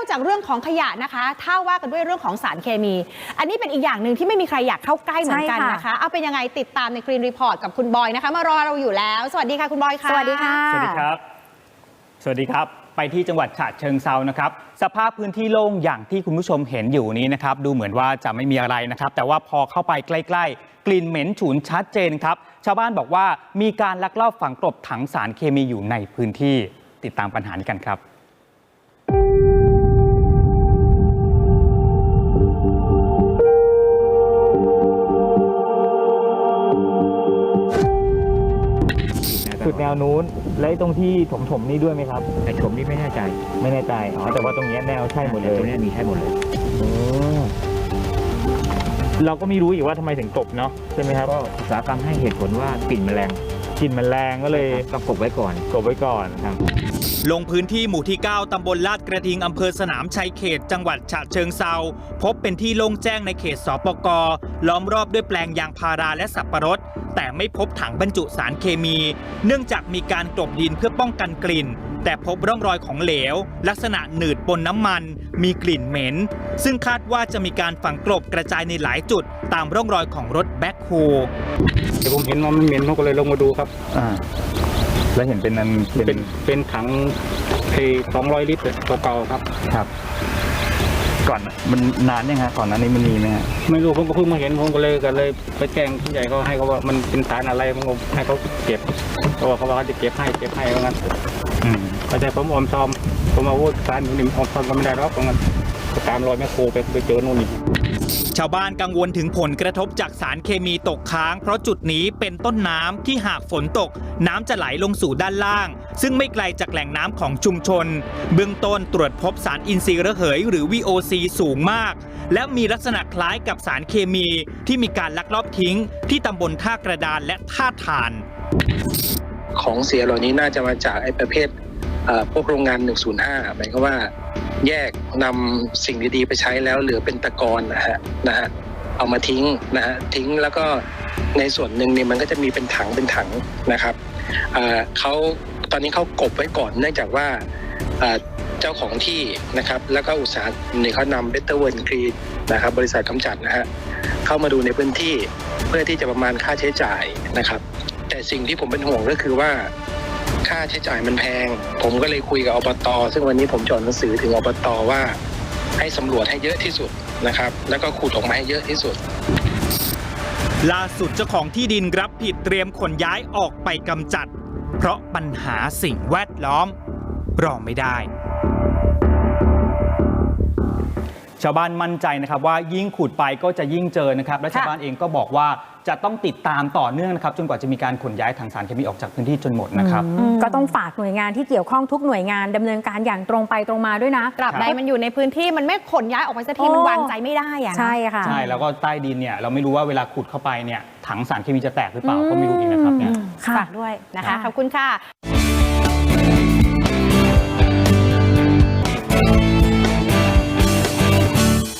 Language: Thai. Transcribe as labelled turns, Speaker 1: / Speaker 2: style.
Speaker 1: จากเรื่องของขยะนะคะถ้าว่ากันด้วยเรื่องของสารเคมีอันนี้เป็นอีกอย่างหนึ่งที่ไม่มีใครอยากเข้าใกล้เหมือนกันนะคะเอาเป็นยังไงติดตามในกรีนรีพอร์ตกับคุณบอยนะคะมารอเราอยู่แล้วสวัสดีค่ะคุณบอยค่ะ
Speaker 2: สวัสดีค่ะ
Speaker 3: สวัสดีครับสวัสดีครับไปที่จังหวัดฉะเชิงเซานะครับสภาพพื้นที่โล่งอย่างที่คุณผู้ชมเห็นอยู่นี้นะครับดูเหมือนว่าจะไม่มีอะไรนะครับแต่ว่าพอเข้าไปใกล้ๆกลิ่นเหม็นฉุนชัดเจนครับชาวบ้านบอกว่ามีการลักลอบฝังกลบถังสารเคมีอยู่ในพื้นที่ติดตามปัญหานี้กันครับ
Speaker 4: จุดแนวนู้นและตรงที่ถมนี่ด้วยไหมครับ
Speaker 5: แต่ถมนี่ไม่แน่ใจ
Speaker 4: แต่ว่าตรงนี้แนวใช่หมดเลย
Speaker 5: ตรงนี้มีใช่หมดเลย
Speaker 4: เราก็ไม่รู้อีกว่าทำไมถึงกลบเนาะใช่ไหมครับ
Speaker 5: ก็อุตสาหกรรมให้เหตุผลว่ากลิ่นแมลง
Speaker 4: ก็เลย
Speaker 5: ต้องกลบไว้ก่อน
Speaker 4: ครับ
Speaker 3: ลงพื้นที่หมู่ที่ 9 ตำบลลาดกระทิงอำเภอสนามชัยเขตจังหวัดฉะเชิงเซาพบเป็นที่โล่งแจ้งในเขตสปก.ล้อมรอบด้วยแปลงยางพาราและสับปะรดแต่ไม่พบถังบรรจุสารเคมีเนื่องจากมีการกลบดินเพื่อป้องกันกลิ่นแต่พบร่องรอยของเหลวลักษณะหนืดปนน้ำมันมีกลิ่นเหม็นซึ่งคาดว่าจะมีการฝังกลบกระจายในหลายจุดตามร่องรอยของรถแบ็คโฮ
Speaker 6: ผมเห็นว่ามันเหม็นผมก็เลยลงมาดูครับ
Speaker 4: แล้วเห็น
Speaker 6: เป็นถัง200 ลิตรเก่าๆ
Speaker 4: ครับก่อนมันนานยังฮะก่อนนั้นนี้มันมีไหมฮะ
Speaker 6: ไม่รู้ผมก็เพิ่งมาเห็นผมก็เลยไปแจ้งผู้ใหญ่เขาให้เขาว่ามันเป็นสารอะไรผมก็ให้เขาเก็บเขาว่าเขาจะเก็บให้ว่างั้นแต่ผมอมซ้อมผมมาพูดสารอยู่นี่อมซ้อมก็ไม่ได้หรอกเพราะงั้นตามรอยแม่โคไปเจอโน่นนี่
Speaker 3: ชาวบ้านกังวลถึงผลกระทบจากสารเคมีตกค้างเพราะจุดนี้เป็นต้นน้ำที่หากฝนตกน้ำจะไหลลงสู่ด้านล่างซึ่งไม่ไกลจากแหล่งน้ำของชุมชนเบื้องต้นตรวจพบสารอินทรีย์ระเหยหรือ VOC สูงมากและมีลักษณะคล้ายกับสารเคมีที่มีการลักลอบทิ้งที่ตำบลท่ากระดานและท่าถ่าน
Speaker 7: ของเสียเหล่านี้น่าจะมาจากไอ้ประเภทพวกโรงงาน105หมายความว่าแยกนำสิ่งดีๆไปใช้แล้วเหลือเป็นตะกอนนะฮะเอามาทิ้งแล้วก็ในส่วนหนึ่งเนี่ยมันก็จะมีเป็นถังนะครับเขาตอนนี้เขากบไว้ก่อนเนื่องจากว่าเจ้าของที่นะครับแล้วก็อุตสาหกรรมเนี่ยเขานำ Better World Green นะครับบริษัทกำจัดนะฮะเข้ามาดูในพื้นที่เพื่อที่จะประมาณค่าใช้จ่ายนะครับแต่สิ่งที่ผมเป็นห่วงก็คือว่าค่าใช้จ่ายมันแพงผมก็เลยคุยกับอบต.ซึ่งวันนี้ผมจดหนังสือถึงอบต.ว่าให้สำรวจให้เยอะที่สุดนะครับแล้วก็ขุดออกมาให้เยอะที่สุด
Speaker 3: ล่าสุดเจ้าของที่ดินรับผิดเตรียมขนย้ายออกไปกำจัดเพราะปัญหาสิ่งแวดล้อมรอไม่ได้ชาวบ้านมั่นใจนะครับว่ายิ่งขุดไปก็จะยิ่งเจอนะครับและชาวบ้านเองก็บอกว่าจะต้องติดตามต่อเนื่องนะครับจนกว่าจะมีการขนย้ายถังสารเคมีออกจากพื้นที่จนหมดนะครับ
Speaker 2: ก็ต้องฝากหน่วยงานที่เกี่ยวข้องทุกหน่วยงานดำเนินการอย่างตรงไปตรงมาด้วยนะ
Speaker 1: ตราบใดมันอยู่ในพื้นที่มันไม่ขนย้ายออกไปสักทีมันวางใจไม่ได้อะ
Speaker 2: ใช่ค่ะ
Speaker 3: ใช่แล้วก็ใต้ดินเนี่ยเราไม่รู้ว่าเวลาขุดเข้าไปเนี่ยถังสารเคมีจะแตกหรือเปล่าก็ไม่รู้อีกนะครับเนี่ย
Speaker 1: ฝากด้วยนะคะขอบคุณค่ะ